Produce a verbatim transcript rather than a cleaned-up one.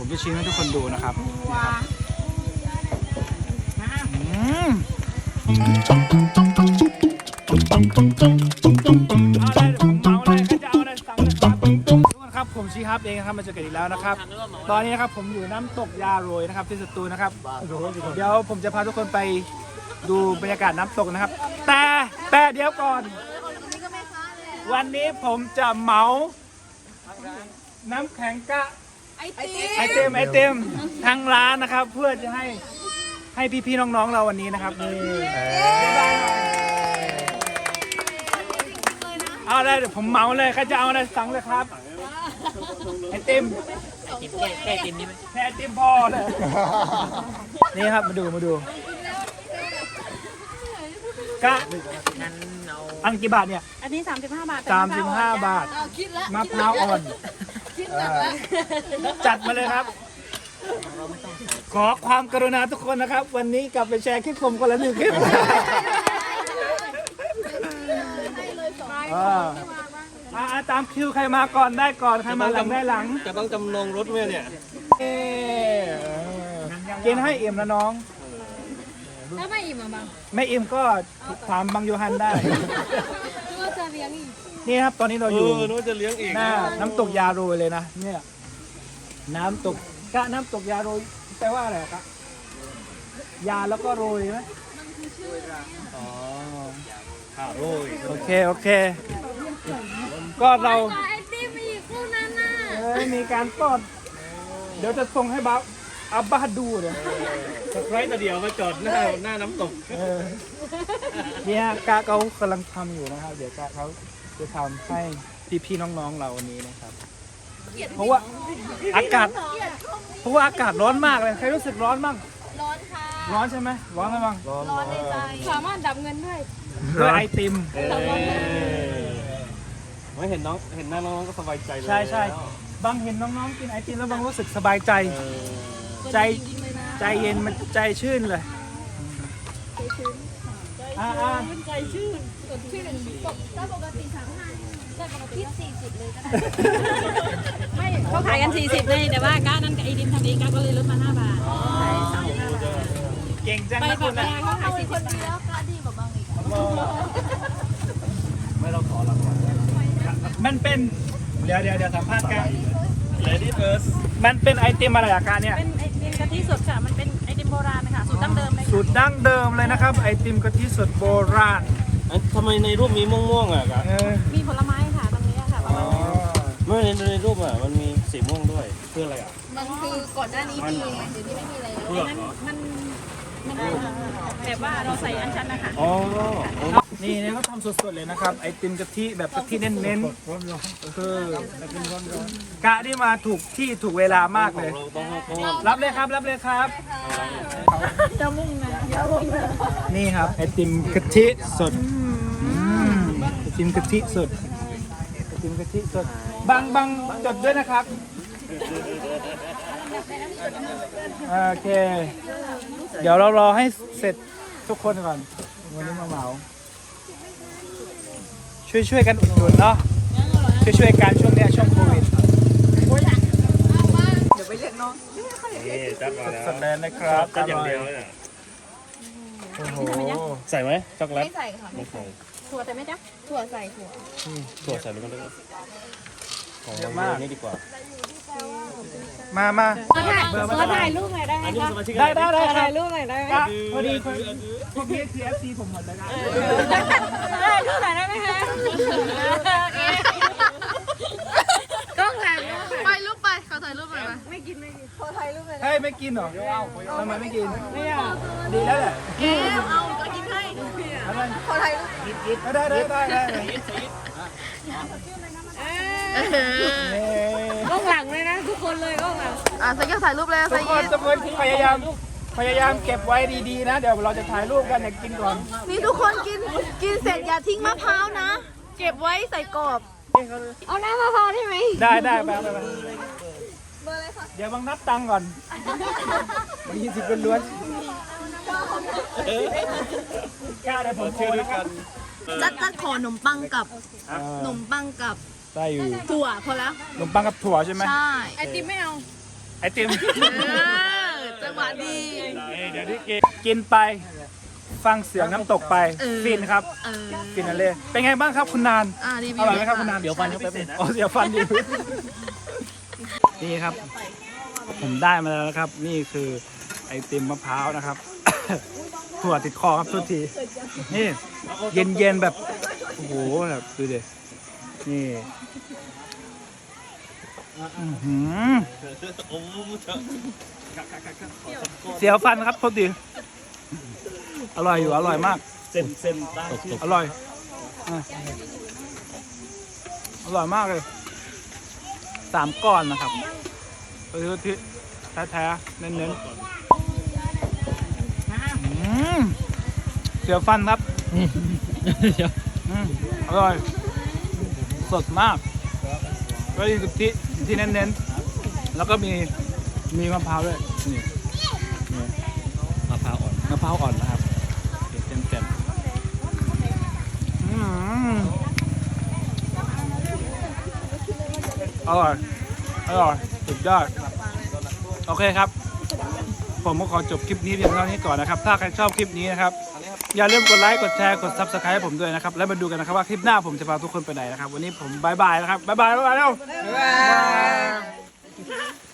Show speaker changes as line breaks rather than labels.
ผมจะชิมให้ทุกคนดูนะครับอืมเอาเลยผมเมาเลยใครจะเอาอะไรสั่งเลยครับทุกคนครับผมชีฮับเองนะครับมาเจอกันอีกแล้วนะครับตอนนี้นะครับผมอยู่น้ำตกยาโรยนะครับที่สตูลนะครับเดี๋ยวผมจะพาทุกคนไปดูบรรยากาศน้ำตกนะครับแต่แต่เดี๋ยวก่อนวันนี้ผมจะเมาน้ำแข็งกะไอเต็มไอเต็มทางร้านนะครับเพื่อจะให้ให้พี่ๆน้องๆเราวันนี้นะครับนี่เอาเลยเดี๋ยวผมเมาเลยใครจะเอาอะไรสั่งเลยครับไอติมแค่ไอติมนี่ไหมแค่ไอติมพอเลยนี่ครับมาดูมาดูกะงั้นเอาอันกี่บาทเนี่ย
อันนี้สามสิบห้าบาท
สามสิบห้าบาทมะพร้าวอ่อนจัดมาเลยครับขอความกรุณาทุกคนนะครับวันนี้กลับไปแชร์คลิปผมคนละหนึ่งคลิปอ่าตามคิวใครมาก่อนได้ก่อนใครมาหลังได้หลัง
จะต้องจำนงรถไหมเนี่ย
กินให้อิ่มนะน้อง
ถ้าไม่อิ่มอ่ะบัง
ไม่อิ่มก็ถามบังโยฮันได้
ก็จะเลี้ยงอีก
นี่ครับตอนนี้เราอยู่
นู้จะเลี้ยงอีก
หน้าน้ำตกยาโรยเลยนะเนี่ยน้ำตกกะน้ำตกยาโรยแปลว่าอะไรครับยาแล้วก็โรยไหมอ๋อ
ข้าวโรย
โอเคโอเคก็เรา
ไอติมอีกคู่นั้นน่ะ
เอ้ยมีการป้อนเดี๋ยวจะส่งให้บ้าอับบาดูเลย
สไครต์ตัวเดียวมาจอดหน้าหน้าน้ำตก
เนี่ยกะเขากำลังทำอยู่นะครับเดี๋ยวกะเขาจะทำให้พี่ๆน้องๆเราวันนี้นะครับเพราะว่าอากาศเพราะว่าอากาศร้อนมากเลยใครรู้สึกร้อนบ้าง
ร้อนค่ะ
ร้อนใช่ไหมร้อนไหมบ้าง
ร้อนในใจสามารถดับเงินด้วย
ด้วยไอติม
ไม่เห็นน้องเห็นหน้าน้องก็สบายใจเลย
ใช่ใช่บางเห็นน้องๆกินไอติมแล้วบางรู้สึกสบายใจใจใจเย็นมันใจชื่นเลย
ใจชื่น
อ่าอ่า
ใจชื่นสดชื่นถ้าปกติสามห้าได้ปกติสี่สิบเลยก็ได้ไม่เขาขายกันสี่สิบเลยแต่ว่าก้านั้นกับไอติมทำเองก้าก็เลยลดมาห้าบาทใช่สามสิบห้าบาท
เก่งจัง
นะ
คุณนะ
เขาขายสี่สิบแล้วก้าดีกว่าบางอีก
ไม่เราขอรางวัล
มันเป็นเดี๋ยวเดี๋ยวเดี๋ยวสัมภาษณ์กัน
Lady First
มันเป็นไอติมอะไรอาการเนี่ย
เป็นไอติมกะทิสดค่ะมันเป็นไอติมโบราณนะคะสูตรดั้งเดิมเลย
สูตรดั้งเดิมเลยนะครับไอติมกะทิสดโบราณ
ทำไมในรูปมีม่วงๆอ่ะครับ
มีผลไม้ค่ะตรงนี้ค่ะประมาณนี้
ไม่ในในรูปอ่ะมันมีสีม่วงด้วยเพื่ออะไรอ่ะ
มันคือก่อนหน้านี้มีเดี๋ยวนี้ไม่มีอะไรแล้วมันมันแบบว่าเราใส่อัญชันนะคะ
อ๋อนี่เนี่ยเขาทำสดๆเลยนะครับไอติมกะทิแบบกะทิเน้นๆคือกะที่มาถูกที่ถูกเวลามากเลยรับเลยครับรับเลยครับ
จะมุ่งนะ
นี่ครับไอติมกะทิสดไอติมกะทิสดไอติมกะทิสดบางบางจดด้วยนะครับโอเคเดี๋ยวเรารอให้เสร็จทุกคนก่อนวันนี้มาเหมาช่วยช่วยกันอุดหนุนเนาะช่วยช่วยกันช่วงนี้ช่วงโควิดเดี๋ยวไปเรียกน้องสดๆเลยนะครับ
จัดอย่างเดียวเลย
โอ้โห
ใส่ไหมช็อกโกแลต
ไม่ใส่ค่ะไม่ใส่ถั่วใส่ไหมจ๊ะถั่วใส่ถั่ว
ถั่วใส่แล้วก็ได้
เยอะมาก
นี่ดีกว่า
มามา
ขอถ่ายรูปหน่อยได้ไหมคะ
ได้ได้ได้
ถ่ายรูปหน่อยได้ไหม
พอดีพวกนี้คือ เอฟ ซี ผมหมดเลยนะ
ถ่ายรูปหน่อยได้ไหมคะกล้องถ่ายไปรูปไปเขาถ่ายรูปไปไม่กินไม่กินเขาถ่ายรูปไป
เฮ้ยไม่กินหรอทำไมไม่กินไม่อ่ะดีแล้วแหละ
แกเอาก็กินให้เขาถ่ายรูป
ได้ได้ได้ได้
กล้องหลังเลยนะทุกคนเลยกล้องหลังอ่ะใส่ก็ถ่ายรูปเลย
ทุกคนทุกคนพยายามพยายามเก็บไว้ดีๆนะเดี๋ยวเราจะถ่ายรูปกันอยากกินก่อน
นี่ทุกคนกินกินเสร็จอย่าทิ้งมะพร้าวนะเก็บไว้ใส่กรอบเอาน้ำมะพร้าวได้ไหม
ได้ได้ไปไปไปเดี๋ยวบังนับตังค์ก่อนบางทีสิเป็นล้วนกล้าได้ผมเชื่อด้วยกัน
จัดจัดขอขนมปังกับขนมปังกับ
ได้อยู่
ถั่วพอแล้ว
ขนมปังกับถั่วใช่ไหม
ใช่ไอติมไม่เอา
ไอติม
จังหวะดี
เดี๋ยวที่กินกินไปฟังเสียงน้ำตกไปฟินครับ
เออ
ฟินอะไรเป็นไงบ้างครับคุณนาน
อ่ารีวิ
อ
ว
ร่อยไหมครับคุณนาน
เดี๋ยวฟันเขาไปบนึง
อ๋อเสียวฟันดีนี่ครับ ผมได้มาแล้วนะครับ นี่คือไอติมมะพร้าวนะครับ ถั่วติดคอครับทุกทีนี่เย็นเย็นๆแบบโอ้โหแบบดูดินี่อื้อหือเสียวฟันครับทุกทีอร่อยอยู่อร่อยมาก
เส้นเส้นได้ชื่อ
อร่อยอ่ะอร่อยมากเลยสามก้อนนะครับไปซื้อที่แท้ๆเน้นๆอืมเสียวฟันครับอืมอร่อย สดมากก็ดีสุดที่ที่เน้นๆแล้วก็มีมีมะพร้าวด้วยนี่นี่
มะพร้าวอ่อน
มะพร้าวอ่อนนะครับเต็มเต็มๆอืมอร่อยอร่อยสุดยอดโอเคครับ ผมก็ขอจบคลิปนี้เพียงเท่านี้ก่อนนะครับ ถ้าใครชอบคลิปนี้นะครับ อย่าลืมกดไลค์ กดแชร์ กด ซับสไครบ์ ให้ผมด้วยนะครับ แล้วมาดูกันนะครับว่าคลิปหน้าผมจะพาทุกคนไปไหนนะครับ วันนี้ผมบายบายนะครับบายบายบายบายแล้ว
บ๊ายบาย